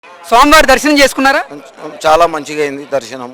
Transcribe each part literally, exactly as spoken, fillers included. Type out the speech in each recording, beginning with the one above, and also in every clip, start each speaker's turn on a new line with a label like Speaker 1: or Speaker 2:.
Speaker 1: స్వామివారి దర్శనం చేసుకున్నారా?
Speaker 2: చాలా మంచిగా అయింది దర్శనం.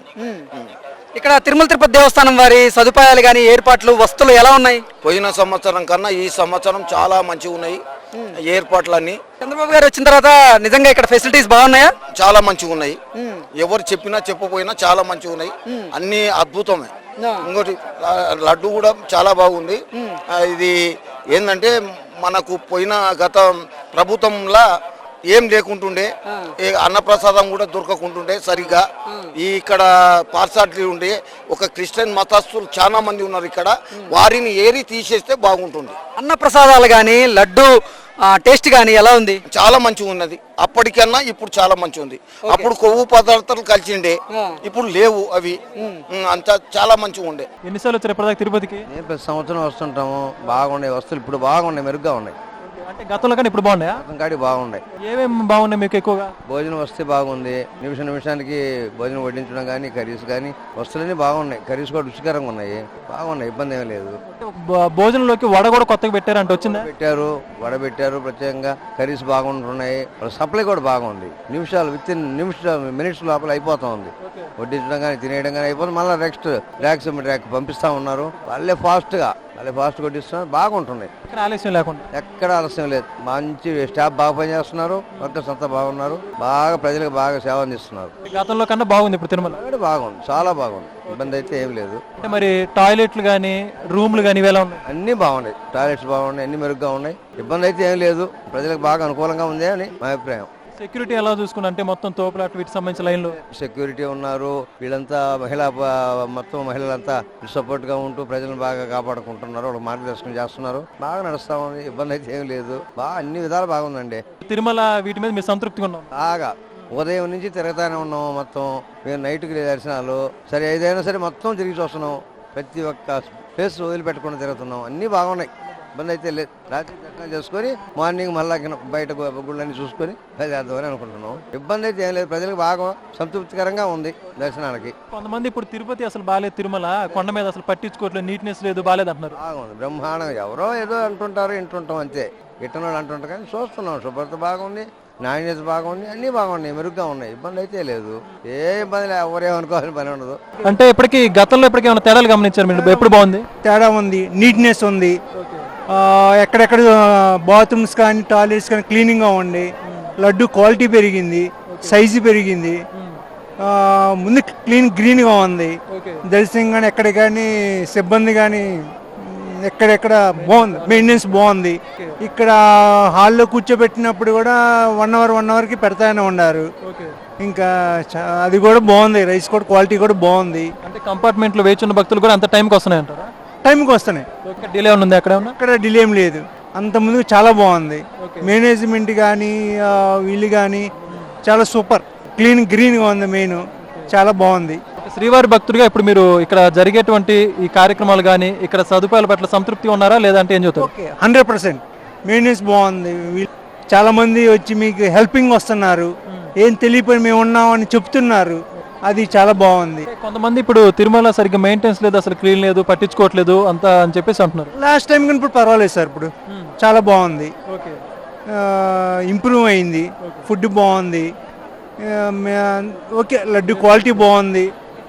Speaker 1: ఇక్కడ తిరుమల తిరుపతి దేవస్థానం వారి సదుపాయాలు కానీ ఏర్పాట్లు వస్తువులు ఎలా ఉన్నాయి?
Speaker 2: పోయిన సంవత్సరం కన్నా ఈ సంవత్సరం చాలా మంచిగా ఉన్నాయి ఏర్పాట్లన్నీ.
Speaker 1: చంద్రబాబు గారు వచ్చిన తర్వాత నిజంగా ఇక్కడ ఫెసిలిటీస్ బాగున్నాయా?
Speaker 2: చాలా మంచిగా ఉన్నాయి. ఎవరు చెప్పినా చెప్పపోయినా చాలా మంచిగా ఉన్నాయి. అన్ని అద్భుతమే. ఇంకోటి లడ్డు కూడా చాలా బాగుంది. ఇది ఏంటంటే మనకు పోయిన గత ప్రభుత్వంలా ఏం లేకుంటుండే, అన్నప్రసాదం కూడా దొరకకుంటుండే సరిగ్గా. ఈ ఇక్కడ పార్సాటి ఉండే ఒక క్రిస్టియన్ మతస్థులు చాలా మంది ఉన్నారు ఇక్కడ, వారిని ఏరి తీసేస్తే బాగుంటుంది.
Speaker 1: అన్న ప్రసాదాలు కానీ లడ్డు టేస్ట్ కానీ ఎలా ఉంది?
Speaker 2: చాలా మంచిగా ఉన్నది. అప్పటికన్నా ఇప్పుడు చాలా మంచిగా ఉంది. అప్పుడు కొవ్వు పదార్థాలు కలిసిండే, ఇప్పుడు లేవు అవి. అంతా చాలా మంచిగా ఉండే.
Speaker 3: ఎన్నిసార్లు వచ్చారు ఇప్పటిదాకా తిరుపతికి?
Speaker 4: నేను ప్రతి సంవత్సరం వస్తుంటాము. బాగున్నాయి వస్తువులు, ఇప్పుడు బాగున్నాయి, మెరుగ్గా ఉన్నాయి.
Speaker 3: అంటే గతంలో కానీ ఇప్పుడు బాగున్నాయా?
Speaker 4: కాడి బాగున్నాయి.
Speaker 3: ఏమేమి బాగున్నాయి మీకు ఎక్కువగా?
Speaker 4: భోజనం వస్తే బాగుంది. నిమిషం నిమిషానికి భోజనం వడ్డించడం కానీ, కర్రీస్ కానీ వస్తువులన్నీ బాగున్నాయి. కర్రీస్ కూడా రుచికరంగా ఉన్నాయి, బాగున్నాయి, ఇబ్బంది ఏమీ లేదు.
Speaker 3: భోజనంలోకి వడ కూడా కొత్తగా పెట్టారు అంటే వచ్చిందా?
Speaker 4: పెట్టారు, వడ పెట్టారు ప్రత్యేకంగా. కర్రీస్ బాగుంటున్నాయి, సప్లై కూడా బాగుంది. నిమిషాలు విత్ ఇన్ నిమిషం మినిట్స్ లోపల అయిపోతా ఉంది. వడ్డించడం కానీ తినేయడం కానీ అయిపోతుంది. మళ్ళీ నెక్స్ట్ ర్యాక్స్ ర్యాక్ పంపిస్తా ఉన్నారు. వాళ్ళే ఫాస్ట్గా వాళ్ళే ఫాస్ట్ కొట్టిస్తున్నారు, బాగుంటున్నాయి.
Speaker 3: ఆలస్యం లేకుండా
Speaker 4: ఎక్కడ ఆలస్యం లేదు. మంచి స్టాఫ్ బాగా పనిచేస్తున్నారు, వర్కర్స్ అంతా బాగున్నారు, బాగా ప్రజలకు బాగా సేవ అందిస్తున్నారు.
Speaker 3: గతంలో కన్నా బాగుంది ఇప్పుడు తిరుమల.
Speaker 4: బాగుంది, చాలా బాగుంది, ఇబ్బంది అయితే ఏం లేదు.
Speaker 3: అంటే మరి టాయిలెట్లు కానీ రూమ్లు కానీ ఇవి ఎలా ఉన్నాయి?
Speaker 4: అన్ని బాగున్నాయి, టాయిలెట్స్ బాగున్నాయి, అన్ని మెరుగ్గా ఉన్నాయి, ఇబ్బంది అయితే ఏం లేదు. ప్రజలకు బాగా అనుకూలంగా ఉంది అని మా అభిప్రాయం.
Speaker 3: సెక్యూరిటీ ఎలా చూసుకున్నా అంటే మొత్తం తోపులాట వీటికి సంబంధించిన లైన్లు
Speaker 4: సెక్యూరిటీ ఉన్నారు. వీళ్ళంతా మహిళా మొత్తం మహిళలంతా సపోర్ట్ గా ఉంటూ ప్రజలను బాగా కాపాడుకుంటున్నారు, వాళ్ళు మార్గదర్శనం చేస్తున్నారు, బాగా నడుస్తా ఉంది, ఇబ్బంది అయితే ఏం లేదు. బాగా అన్ని విధాలు బాగుందండి.
Speaker 3: తిరుమల వీటి మీద మీరు సంతృప్తిగా ఉన్నాం?
Speaker 4: బాగా ఉదయం నుంచి తిరుగుతానే ఉన్నాం. మొత్తం మేము నైట్కి దర్శనాలు సరే ఏదైనా సరే మొత్తం తిరిగి చూస్తున్నాం. ప్రతి ఒక్క ప్లేస్ వదిలిపెట్టకుండా తిరుగుతున్నాం, అన్ని బాగున్నాయి, ఇబ్బంది అయితే లేదు. రాత్రి దర్శనం చేసుకొని మార్నింగ్ మళ్ళా బయట గుళ్ళని చూసుకొని బయలుదేరదామని అనుకుంటున్నాం. ఇబ్బంది అయితే ఏం లేదు, ప్రజలకు బాగా సంతృప్తికరంగా ఉంది దర్శనానికి.
Speaker 3: కొంతమంది ఇప్పుడు తిరుపతి అసలు బాగాలేదు, తిరుమల కొండ మీద అసలు పట్టించుకోవట్లేదు, నీట్నెస్ లేదు, బాగాలేదు అంటున్నారు.
Speaker 4: బాగుంది, బ్రహ్మాండంగా. ఎవరో ఏదో అంటుంటారు, వింటుంటాం అంతే, గిట్టనోళ్ళు అంటుంటారు. కానీ చూస్తున్నాం, శుభ్రత బాగుంది, నాణ్యత బాగుంది, అన్ని బాగున్నాయి, మెరుగ్గా ఉన్నాయి, ఇబ్బంది అయితే లేదు. ఏ ఇబ్బంది లేదు, ఎవరేమనుకోవాలని పని ఉండదు.
Speaker 3: అంటే ఇప్పటికి గతంలో ఇప్పటికి ఏమైనా తేడాలు గమనించారు మీరు? ఎప్పుడు బాగుంది?
Speaker 5: తేడా ఉంది, నీట్నెస్ ఉంది. ఎక్కడెక్కడ బాత్రూమ్స్ కానీ టాయిలెట్స్ కానీ క్లీనింగ్గా ఉండి, లడ్డు క్వాలిటీ పెరిగింది, సైజు పెరిగింది, ముందు క్లీన్ గ్రీన్గా ఉంది. దర్శనం కానీ ఎక్కడ కానీ సిబ్బంది కానీ ఎక్కడెక్కడ బాగుంది, మెయింటెనెన్స్ బాగుంది. ఇక్కడ హాల్లో కూర్చోబెట్టినప్పుడు కూడా వన్ అవర్ వన్ అవర్కి పెడతానే ఉన్నారు. ఇంకా అది కూడా బాగుంది, రైస్ కూడా క్వాలిటీ కూడా బాగుంది.
Speaker 3: అంటే కంపార్ట్మెంట్లో వేచి ఉన్న భక్తులు కూడా అంత టైంకి వస్తున్నాయి అంటారా?
Speaker 5: టైంకి వస్తున్నాయి,
Speaker 3: డిలే ఉంది అక్కడ
Speaker 5: అక్కడ డిలే ఏం లేదు. అంత ముందు చాలా బాగుంది. మేనేజ్మెంట్ కానీ వీళ్ళు కానీ చాలా సూపర్, క్లీన్ గ్రీన్గా ఉంది, మెయిన్ చాలా బాగుంది.
Speaker 3: శ్రీవారి భక్తుడిగా ఇప్పుడు మీరు ఇక్కడ జరిగేటువంటి ఈ కార్యక్రమాలు కానీ ఇక్కడ సదుపాయాల పట్ల సంతృప్తి ఉన్నారా లేదంటే ఏం చెప్తారు?
Speaker 5: ఓకే, హండ్రెడ్ పర్సెంట్ మెయింటెనెన్స్ బాగుంది. చాలా మంది వచ్చి మీకు హెల్పింగ్ వస్తున్నారు, ఏం తెలియపోయి మేము ఉన్నామని చెప్తున్నారు, అది చాలా బాగుంది.
Speaker 3: కొంతమంది ఇప్పుడు తిరుమల సరిగ్గా మెయింటెనెన్స్ లేదు, అసలు క్లీన్ లేదు, పట్టించుకోవట్లేదు అంత అని చెప్పేసి అంటున్నారు.
Speaker 5: లాస్ట్ టైం కానీ ఇప్పుడు పర్వాలేదు సార్, ఇప్పుడు చాలా బాగుంది, ఇంప్రూవ్ అయింది, ఫుడ్ బాగుంది, ఓకే, లడ్డు క్వాలిటీ బాగుంది,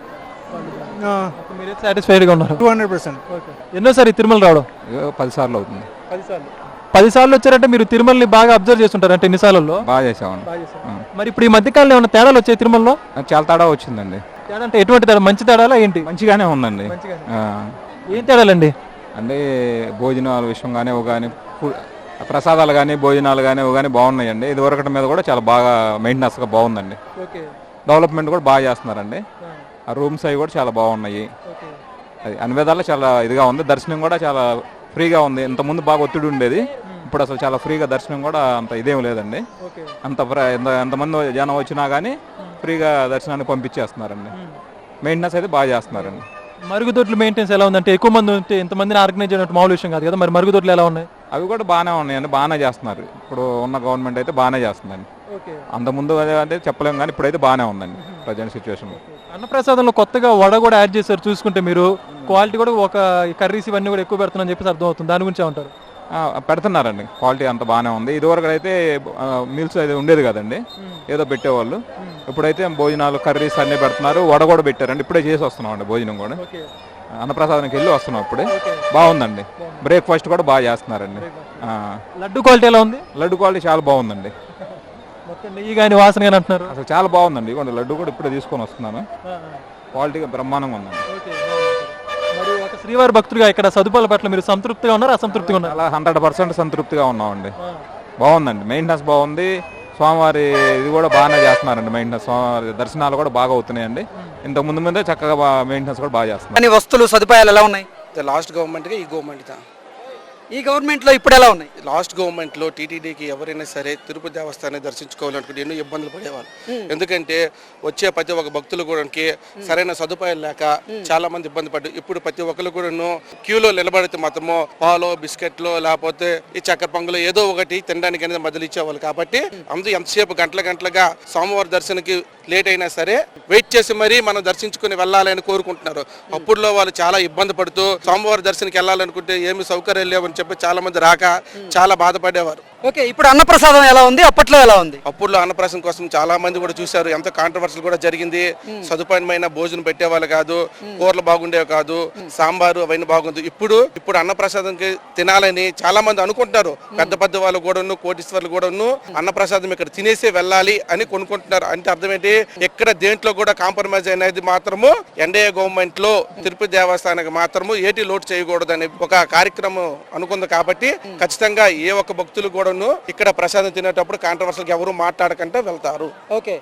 Speaker 3: సాటిస్ఫైడ్గా ఉన్నారు.
Speaker 5: Two hundred percent.
Speaker 3: ఎన్నోసారి తిరుమల రావడం?
Speaker 6: పది సార్లు అవుతుంది.
Speaker 3: పది సార్లు వచ్చారంటే మీరు తిరుమలని బాగా అబ్జర్వ్ చేస్తుంటారు అంటే ఎన్ని సార్లు?
Speaker 6: బాగా చేసామండి.
Speaker 3: మరి ఇప్పుడు ఈ మధ్యకాలంలో ఏమైనా తేడాలు వచ్చాయి తిరుమలలో?
Speaker 6: చాలా తేడా వచ్చిందండి.
Speaker 3: తేడా అంటే ఎటువంటి తేడా? మంచి తేడాలా ఏంటి?
Speaker 6: మంచిగానే ఉందండి.
Speaker 3: ఏం తేడాలండి?
Speaker 6: అంటే భోజనాల విషయం కానీ కానీ ప్రసాదాలు కానీ భోజనాలు కానీ కానీ బాగున్నాయండి. ఇది వరకటి మీద కూడా చాలా బాగా మెయింటెనెన్స్గా బాగుందండి. డెవలప్మెంట్ కూడా బాగా చేస్తున్నారండి. ఆ రూమ్స్ అవి కూడా చాలా బాగున్నాయి. అది అన్ని విధాలా చాలా ఇదిగా ఉంది. దర్శనం కూడా చాలా ఫ్రీగా ఉంది. ఇంతకుముందు బాగా ఒత్తిడి ఉండేది, ఇప్పుడు అసలు చాలా ఫ్రీగా దర్శనం కూడా అంత ఇదేం లేదండి. అంత ఎంతమంది జనం వచ్చినా కానీ ఫ్రీగా దర్శనానికి పంపించేస్తున్నారండి. మెయింటెనెన్స్ అయితే బాగా చేస్తున్నారండి.
Speaker 3: మరుగుదొడ్లు మెయింటెనెన్స్ ఎలా ఉందంటే ఎక్కువ మంది ఉంటే ఇంతమందిని ఆర్గనైజ్ చేయడం మామూలు విషయం కాదు కదా, మరి మరుగుదొడ్లు ఎలా ఉన్నాయి?
Speaker 6: అవి కూడా బాగానే ఉన్నాయండి, బాగానే చేస్తున్నారు. ఇప్పుడు ఉన్న గవర్నమెంట్ అయితే బాగానే చేస్తుందండి. అంతకుముందు అంటే చెప్పలేము కానీ ఇప్పుడైతే బాగానే ఉందండి ప్రజెంట్ సిచ్యువేషన్.
Speaker 3: అన్నప్రసాదంలో కొత్తగా వడ కూడా యాడ్ చేశారు, చూసుకుంటే మీరు క్వాలిటీ కూడా ఒక కర్రీస్ ఇవన్నీ కూడా ఎక్కువ పెడుతున్నారని చెప్పేసి అర్థం అవుతుంది. దాని గురించి ఏమంటారు?
Speaker 6: ఆ, పెడుతున్నారండి. క్వాలిటీ అంత బాగానే ఉంది. ఇదివరకు అయితే మీల్స్ అయితే ఉండేది కదండి, ఏదో పెట్టేవాళ్ళు. ఇప్పుడైతే భోజనాలు కర్రీస్ అన్నీ పెడుతున్నారు. వడ కూడా పెట్టారండి. ఇప్పుడే చేసి వస్తున్నాం అండి భోజనం కూడా. అన్నప్రసాదానికి వెళ్ళి వస్తున్నాం ఇప్పుడే. బాగుందండి. బ్రేక్ఫాస్ట్ కూడా బాగా చేస్తున్నారండి. ఆ,
Speaker 3: లడ్డు క్వాలిటీ ఎలా ఉంది?
Speaker 6: లడ్డు క్వాలిటీ చాలా బాగుందండి.
Speaker 3: మొత్తం నెయ్యి కానీ వాసన కానీ అంటున్నారు.
Speaker 6: అసలు చాలా బాగుందండి. ఇవ్వండి లడ్డు కూడా ఇప్పుడే తీసుకొని వస్తున్నాను. క్వాలిటీగా బ్రహ్మాండంగా ఉందండి.
Speaker 3: మరి ఒక శ్రీవారి భక్తుడిగా ఇక్కడ సదుపాయాల పట్ల మీరు సంతృప్తిగా ఉన్నారా, అసంతృప్తిగా ఉన్నారు?
Speaker 6: చాలా హండ్రెడ్ పర్సెంట్ సంతృప్తిగా ఉన్నామండి. బాగుందండి. మెయింటెనెన్స్ బాగుంది. స్వామివారి ఇది కూడా బాగానే చేస్తున్నారండి. మెయింటెనెన్స్ స్వామివారి దర్శనాలు కూడా బాగా అవుతున్నాయండి. ఇంతకు ముందు ముందే చక్కగా మెయింటెనెన్స్ కూడా బాగా చేస్తున్నారు.
Speaker 1: కానీ వస్తువులు సదుపాయాలు ఎలా ఉన్నాయి?
Speaker 7: లాస్ట్ గవర్నమెంట్గా ఈ గవర్నమెంట్
Speaker 1: ఈ గవర్నమెంట్ లో ఇప్పుడు ఎలా ఉన్నాయి?
Speaker 7: లాస్ట్ గవర్నమెంట్లో టీటీడీకి ఎవరైనా సరే తిరుపతి దేవస్థానాన్ని దర్శించుకోవాలనుకుంటే ఎన్నో ఇబ్బందులు పడేవాళ్ళు. ఎందుకంటే వచ్చే ప్రతి ఒక్క భక్తులు కూడా సరైన సదుపాయాలు లేక చాలా మంది ఇబ్బంది పడ్డారు. ఇప్పుడు ప్రతి ఒక్కరు కూడా క్యూలో నిలబడితే మాత్రము పాలో బిస్కెట్లు లేకపోతే ఈ చక్కెర పొంగలు ఏదో ఒకటి తినడానికి అనేది మధ్యలో ఇచ్చేవాళ్ళు. కాబట్టి అందరూ ఎంతసేపు గంటల గంటలుగా స్వామివారి దర్శనకి లేట్ అయినా సరే వెయిట్ చేసి మరీ మనం దర్శించుకుని వెళ్ళాలని కోరుకుంటున్నారు. అప్పుడులో వాళ్ళు చాలా ఇబ్బంది పడుతూ స్వామివారి దర్శనకి వెళ్ళాలనుకుంటే ఏమి సౌకర్యాలు లేవని చెప్పి చాలా మంది రాక చాలా బాధపడేవారు.
Speaker 1: ఓకే, ఇప్పుడు అన్నప్రసాదం ఎలా ఉంది, అప్పట్లో ఎలా ఉంది?
Speaker 7: అప్పుడులో అన్నప్రాసం కోసం చాలా మంది కూడా చూశారు. ఎంతో కాంట్రవర్సల్ కూడా జరిగింది. సదుపాయమైన భోజనం పెట్టేవాళ్ళు కాదు, కూరలు బాగుండేవి కాదు, సాంబారు అవన్నీ బాగుంది. ఇప్పుడు ఇప్పుడు అన్నప్రసాదంకి తినాలని చాలా మంది అనుకుంటున్నారు. పెద్ద పెద్ద వాళ్ళు కూడాను, కోటీశ్వర్లు కూడాను అన్నప్రసాదం ఇక్కడ తినేసే వెళ్ళాలి అని కొనుక్కుంటున్నారు. అంటే అర్థం ఏంటి, ఎక్కడ దేంట్లో కూడా కాంప్రమైజ్ అనేది మాత్రము ఎన్డీఏ గవర్నమెంట్ లో తిరుపతి దేవస్థానానికి మాత్రము ఏటి లోటు చేయకూడదు అనే ఒక కార్యక్రమం అనుకుంది. కాబట్టి ఖచ్చితంగా ఏ ఒక్క భక్తులు కూడా ఇక్కడ ప్రసాదం తినేటప్పుడు కాంట్రవర్సల్కి ఎవరు మాట్లాడకుండా వెళ్తారు.
Speaker 1: ఓకే,